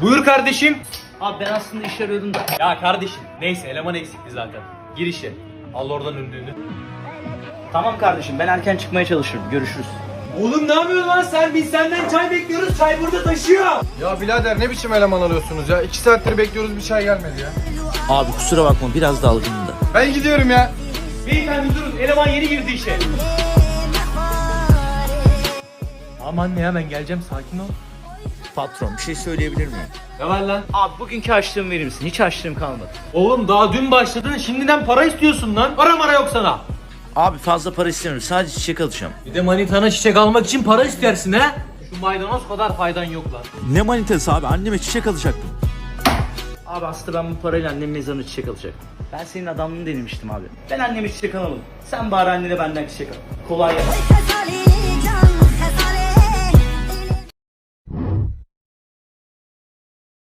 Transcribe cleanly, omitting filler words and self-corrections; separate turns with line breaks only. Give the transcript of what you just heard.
Buyur kardeşim.
Abi ben aslında iş arıyordum da.
Ya kardeşim neyse eleman eksikti zaten. Gir işe. Al oradan ünlüğünü.
Tamam kardeşim, ben erken çıkmaya çalışırım. Görüşürüz.
Oğlum ne yapıyorsun lan sen? Biz senden çay bekliyoruz. Çay burada taşıyor.
Ya birader ne biçim eleman alıyorsunuz ya? 2 saattir bekliyoruz, bir çay gelmedi ya.
Abi kusura bakma, biraz dalgınım da.
Ben gidiyorum ya.
Beyefendi durun. Eleman yeni girdi işe. Aman ne hemen geleceğim, sakin ol.
Patron, bir şey söyleyebilir miyim?
Ne var lan?
Abi bugünkü harçlığımı verir misin? Hiç harçlığım kalmadı.
Oğlum daha dün başladın, şimdiden para istiyorsun lan. Para mara yok sana.
Abi fazla para istemiyorum, sadece çiçek alacağım.
Bir de manitana çiçek almak için para istersin ha? Şu maydanoz kadar faydan yok lan.
Ne manitası abi, anneme çiçek alacaktım.
Abi aslında ben bu parayla annemin mezarına çiçek alacaktım. Ben senin adamlığını denemiştim abi. Ben anneme çiçek alamam. Sen bari annene benden çiçek al. Kolay gelsin.